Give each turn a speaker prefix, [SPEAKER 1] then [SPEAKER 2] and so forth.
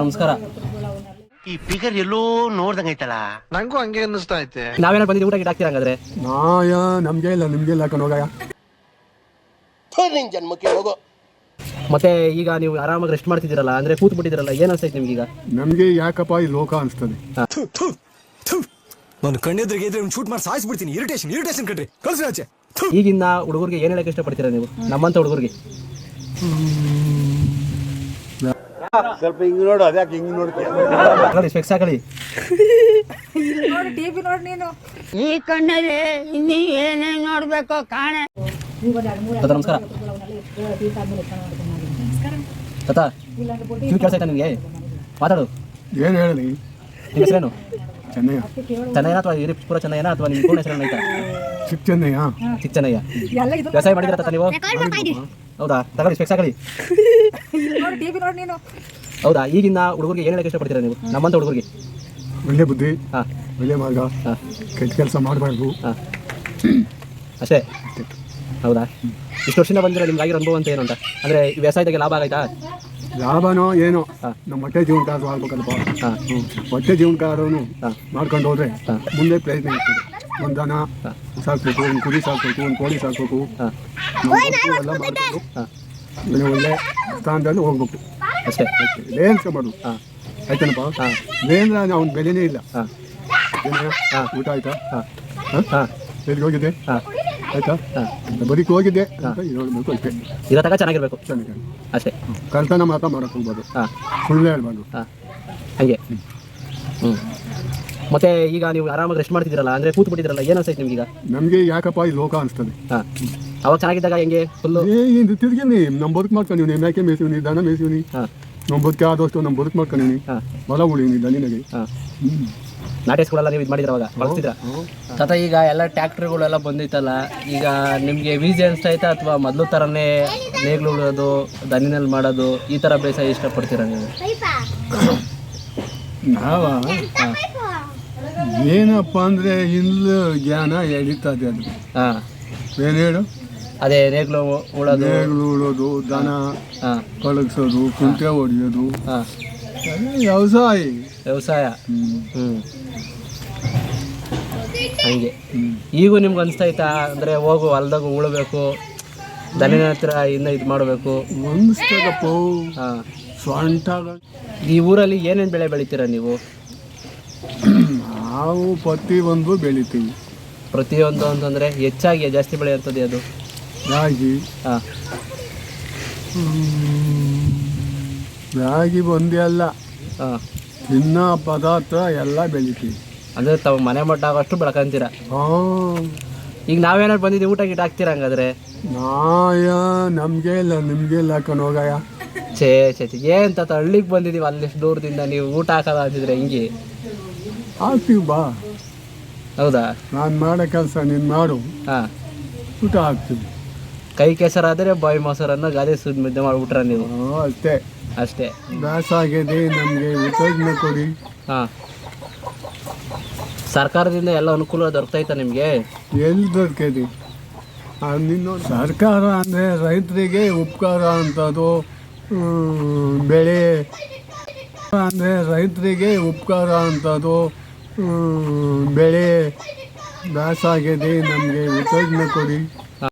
[SPEAKER 1] ನಮಸ್ಕಾರ.
[SPEAKER 2] ಈ ಫಿಗರ್ ಎಲ್ಲೋ ನೋಡ್ದಂಗೈತಲ್ಲ,
[SPEAKER 3] ನಂಗೂ ಹಂಗೆ ಅನ್ನಿಸ್ತಾ ಐತೆ.
[SPEAKER 1] ನಾವೇನಾರು ಬಂದಿದ್ದು ಊಟ ಗಿಟ ಹಾಕ್ತೀರಾ ಹಂಗಾದ್ರೆ?
[SPEAKER 4] ನಮ್ಗೆ ಇಲ್ಲ ನಿಮ್ಗೆ ಇಲ್ಲ ಕಣೋಗಯ್ಯ.
[SPEAKER 2] ನಿನ್ ಜನ್ಮಕ್ಕೆ ಹೋಗೋ.
[SPEAKER 1] ಮತ್ತೆ ಈಗ ನೀವು ಆರಾಮಾಗಿ ರೆಸ್ಟ್ ಮಾಡ್ತಿದ್ದೀರಲ್ಲ, ಅಂದ್ರೆ ಕೂತ್ ಬಿಟ್ಟಿದ್ದೀರಲ್ಲ, ಏನ್ ಅನ್ಸೈತೆ ನಿಮ್ಗೀಗ?
[SPEAKER 4] ನಮ್ಗೆ ಯಾಕಪ್ಪ ಈ ಲೋಕ ಅನ್ಸ್ತದೆ.
[SPEAKER 5] ನಾನು ಕಣ್ಣೆದ್ರಿಗೆ ಇದ್ರೆ ಶೂಟ್ ಮಾಡಿ ಸಾಯಿಸ್ಬಿಡ್ತೀನಿ. ಇರಿಟೇಷನ್ ಕಟ್ರಿ, ಕಳ್ಸಿ ಆಚೆ.
[SPEAKER 1] ಈಗಿನ ಹುಡುಗರಿಗೆ ಏನ್ ಹೇಳಕ್ ಇಷ್ಟಪಡ್ತೀರಾ ನೀವು, ನಮ್ಮಂತ ಹುಡುಗರಿಗೆ?
[SPEAKER 4] ಸ್ವಲ್ಪ ಹಿಂಗ್ ನೋಡು, ಅದ್ಯಾಕೆ ಹಿಂಗ್ ನೋಡ್ತೀಯ?
[SPEAKER 1] ನೋಡಿ ಸ್ಪೆಕ್ಸ್ ಹಾಕಳಿ.
[SPEAKER 6] ಈ ಕಣ್ಣಲ್ಲಿ ಇನ್ನೀ ಏನೇನ್ ನೋಡ್ಬೇಕೋ ಕಾಣೆ.
[SPEAKER 1] ನಮಸ್ಕಾರ ತಾತ, ಕಿವಿ ಕೇಳಿಸೈತಾ ನಿಮಗೆ? ಮಾತಾಡು.
[SPEAKER 4] ಏನ್ ಹೇಳಿ?
[SPEAKER 1] ನಿಮ್ಮ ಹೆಸರೇನು?
[SPEAKER 4] ಚೆನ್ನಯ್ಯ.
[SPEAKER 1] ಚೆನ್ನಯ್ಯ ಅಥವಾ ಪೂರ ಚೆನ್ನಯ್ಯನ ಅಥವಾ ನಿಮ್ಮ ಪೂರ್ಣ ಹೆಸರೇನು ಐತಾ?
[SPEAKER 4] ಚಿಕ್ಕ ಚೆನ್ನಯ್ಯ.
[SPEAKER 1] ಚಿಕ್ಕ ಚೆನ್ನಯ್ಯ. ವ್ಯವಸಾಯ ಮಾಡಿದ್ರ ತಾತ ನೀವು? ಹೌದಾ, ತಗೊಳ್ಳಿ ಸ್ಪೆಕ್ಸ್ ಹಾಕಳಿ. ಹೌದಾ, ಈಗಿನ ಹುಡುಗರಿಗೆ ಏನ್ ಹೇಳಕ್ ಇಷ್ಟಪಡ್ತೀರಾ ನೀವು, ನಮ್ಮಂತ ಹುಡುಗರಿಗೆ?
[SPEAKER 4] ಒಳ್ಳೆ ಬುದ್ಧಿ,
[SPEAKER 1] ಹಾಂ,
[SPEAKER 4] ಒಳ್ಳೆ ಮಾರ್ಗ, ಕೆಟ್ಟ ಕೆಲಸ ಮಾಡಬಾರ್ದು.
[SPEAKER 1] ಹಾಂ, ಅಷ್ಟೇ. ಹೌದಾ, ಇಷ್ಟು ವರ್ಷದಿಂದ ಬಂದಿರೋ ನಿಮ್ಗೆ ಆಗಿರೋ ಅನುಭವ ಅಂತ ಏನು ಅಂತ, ಅಂದ್ರೆ ವ್ಯವಸಾಯದಾಗೆ ಲಾಭ ಆಗೈತಾ?
[SPEAKER 4] ಲಾಭನೋ ಏನೋ, ನಮ್ಮ ಹೊಟ್ಟೆ ಜೀವನಕಾರ ಆಗ್ಬೇಕಲ್ಪ. ಹೊಟ್ಟೆ ಜೀವನಕಾರನು ಮಾಡ್ಕೊಂಡು ಹೋದ್ರೆ ಮುಂದೆ ಪ್ರಯತ್ನ ಇರ್ತದೆ. ಒಂದು ದನ ಸಾಕ್ಬೇಕು, ಒಂದು ಕುರಿ ಸಾಕ್ಬೇಕು, ಒಂದು ಕೋಳಿ ಸಾಕ್ಬೇಕು, ಎಲ್ಲ ಮಾಡ್ಬೇಕು. ಒಳ್ಳೆ ಸ್ಥಾನದಲ್ಲಿ ಹೋಗ್ಬೇಕು
[SPEAKER 1] ಅಷ್ಟೇ.
[SPEAKER 4] ಲೇನ್ಸ್ಕೊಬಾರ್ದು. ಆಯ್ತನಪ್ಪ, ಲೇನ್ರ ಅವ್ನ ಬೆಲೆನೇ ಇಲ್ಲ. ಊಟ ಆಯ್ತಾ? ಎಲ್ಲಿಗೆ ಹೋಗಿದ್ದೆ? ಆಯ್ತಾ? ಬದುಕಿ ಹೋಗಿದ್ದೆ ಅಂತ ಹೇಳ್ಬೇಕು ಅಷ್ಟೇ.
[SPEAKER 1] ಇರೋ ತಗ ಚೆನ್ನಾಗಿರ್ಬೇಕು
[SPEAKER 4] ಚೆನ್ನಾಗಿ
[SPEAKER 1] ಅಷ್ಟೇ.
[SPEAKER 4] ಕಳ್ತನ ಮಾತ್ರ ಮಾಡಕ್ಕೆ ಹೋಗ್ಬಾರ್ದು, ಸುಳ್ಳು ಹೇಳ್ಬಾರ್ದು.
[SPEAKER 1] ಹಾಗೆ. ಮತ್ತೆ ಈಗ ನೀವು ಆರಾಮಾಗಿ ರೆಸ್ಟ್ ಮಾಡ್ತಿದ್ದೀರಲ್ಲ, ಅಂದ್ರೆ ಕೂತ್ ಬಿಟ್ಟಿದ್ದೀರಲ್ಲ, ಏನ್ ಅನ್ಸೈತೆ ನಿಮ್ಗೀಗ?
[SPEAKER 4] ನಮ್ಗೆ ಯಾಕಪ್ಪ ಈ ಲೋಕ ಅನಿಸ್ತದೆ.
[SPEAKER 1] ಅವಾಗ ಚೆನ್ನಾಗಿದ್ದಾಗ ಹೆಂಗೆ ಫುಲ್ಲು
[SPEAKER 4] ತಿರ್ಗಿ ನಮ್ಮ ಬದುಕು ಮಾಡ್ಕೊಂಡಿವ್ನಿ, ಮೇಕೆ ಮೇಸಿವ್ನಿ, ದನ ಮೇಸಿವ್ನಿ, ನಮ್ಮ ಬದುಕೆ ಆದಷ್ಟು ನಮ್ಮ ಬದುಕು ಮಾಡ್ಕೊಂಡಿವ್ನಿ, ಹೊಲ ಉಳಿವ್ನಿ ದನಿನಾಗೆ.
[SPEAKER 1] ನಾಟೇಸ್ಗಳೆಲ್ಲ ನೀವು ಇದು ಮಾಡಿದ್ರ ಅವಾಗ ಬಳಸ್ತಿದ್ರ ತಾತ? ಈಗ ಎಲ್ಲ ಟ್ಯಾಕ್ಟ್ರಿಗಳೆಲ್ಲ ಬಂದೈತಲ್ಲ, ಈಗ ನಿಮಗೆ ಈಸಿ ಅನಿಸ್ತಾಯ್ತಾ ಅಥವಾ ಮೊದಲು ಥರನೇ ನೇಗ್ಲು ಉಳೋದು, ದನಿನಲ್ಲಿ ಮಾಡೋದು, ಈ ಥರ ಬೇಸಾಯ ಇಷ್ಟಪಡ್ತೀರಾ ನೀವು?
[SPEAKER 4] ನಾವ ಏನಪ್ಪ ಅಂದರೆ ಇನ್ನು ಜ್ಞಾನ ಎಳಿತದೆ ಅದು.
[SPEAKER 1] ಹಾಂ,
[SPEAKER 4] ಏನು ಹೇಳು?
[SPEAKER 1] ಅದೇ ನೇಗ್ಲು ಉಳೋದು,
[SPEAKER 4] ನೇಗ್ಲು ಉಳೋದು, ದನ ಕಳಗಿಸೋದು, ಕುಂಟೆ ಹೊಡಿಯೋದು, ವ್ಯವಸಾಯ.
[SPEAKER 1] ಹಂಗೆ ಈಗೂ ನಿಮ್ಗೆ ಅನಿಸ್ತೈತಾ? ಅಂದರೆ ಹೋಗು ಹೊಲ್ದಾಗ ಉಳಬೇಕು, ದನಿನ ಹತ್ರ ಇನ್ನು ಇದು ಮಾಡಬೇಕು
[SPEAKER 4] ಅನಿಸ್ತದಪ್ಪ.
[SPEAKER 1] ಹಾಂ,
[SPEAKER 4] ಸ್ವಂಟ.
[SPEAKER 1] ಈ ಊರಲ್ಲಿ ಏನೇನು ಬೆಳೆ ಬೆಳಿತೀರಾ ನೀವು?
[SPEAKER 4] ನಾವು ಪ್ರತಿಯೊಂದು ಬೆಳಿತೀವಿ.
[SPEAKER 1] ಪ್ರತಿಯೊಂದು ಅಂತಂದರೆ ಹೆಚ್ಚಾಗಿ ಜಾಸ್ತಿ ಬೆಳೆಯುತ್ತದೆ ಅದು
[SPEAKER 4] ರಾಗಿ.
[SPEAKER 1] ಹಾಂ,
[SPEAKER 4] ರಾಗಿ ಒಂದೇ ಅಲ್ಲ,
[SPEAKER 1] ಹಾಂ,
[SPEAKER 4] ತಿನ್ನ ಪದಾರ್ಥ ಎಲ್ಲ ಬೆಳಿತೀವಿ.
[SPEAKER 1] ಅಂದರೆ ತಾವು ಮನೆ ಮಟ್ಟ ಆಗೋಷ್ಟು ಬೆಳ್ಕೊಂತೀರ. ಈಗ ನಾವೇನಾದ್ರು ಬಂದಿದ್ದೀವಿ, ಊಟ ಗಿಟ ಹಾಕ್ತೀರ ಹಂಗಾದ್ರೆ?
[SPEAKER 4] ನಮಗೆ ಇಲ್ಲ ನಿಮಗೆ ಇಲ್ಲ ಕಣೋಗಯ್ಯ.
[SPEAKER 1] ಛೇ ಏನು ತಾತ, ಹಳ್ಳಿಗೆ ಬಂದಿದ್ದೀವಿ, ಅಲ್ಲಿಷ್ಟು ದೂರದಿಂದ ನೀವು ಊಟ ಹಾಕೋದ ಅಂತಿದ್ರೆ ಹಿಂಗೆ?
[SPEAKER 4] ಹಾಕ್ತೀವಿ ಬಾ.
[SPEAKER 1] ಹೌದಾ?
[SPEAKER 4] ನಾನು ಮಾಡೋ ಕೆಲಸ ನೀನು ಮಾಡು,
[SPEAKER 1] ಹಾಂ,
[SPEAKER 4] ಊಟ ಹಾಕ್ತೀವಿ.
[SPEAKER 1] ಕೈ ಕೆಸರಾದರೆ ಬಾಯಿ ಮೊಸರನ್ನು ಗಾದೆ ಸುದ್ದಿ ಮುದ್ದೆ ಮಾಡಿಬಿಟ್ರ ನೀವು?
[SPEAKER 4] ಅಷ್ಟೇ
[SPEAKER 1] ಅಷ್ಟೇ.
[SPEAKER 4] ದಾಸಾಗಿದೆ, ನಮಗೆ ಉತ್ತೇಜನ ಕೊಡಿ.
[SPEAKER 1] ಹಾಂ, ಸರ್ಕಾರದಿಂದ ಎಲ್ಲ ಅನುಕೂಲ ದೊರಕೈತಾ ನಿಮಗೆ?
[SPEAKER 4] ಎಲ್ಲಿ ದೊರಕೈತಿ? ನಿನ್ನ ಸರ್ಕಾರ ಅಂದರೆ ರೈತರಿಗೆ ಉಪಕಾರ ಅಂತದ್ದು, ಬೆಳೆ ಅಂದರೆ ರೈತರಿಗೆ ಉಪಕಾರ ಅಂತದ್ದು, ಬೆಳೆ ದಾಸಾಗಿದೆ, ನಮಗೆ ಉತ್ತೇಜನ ಕೊಡಿ.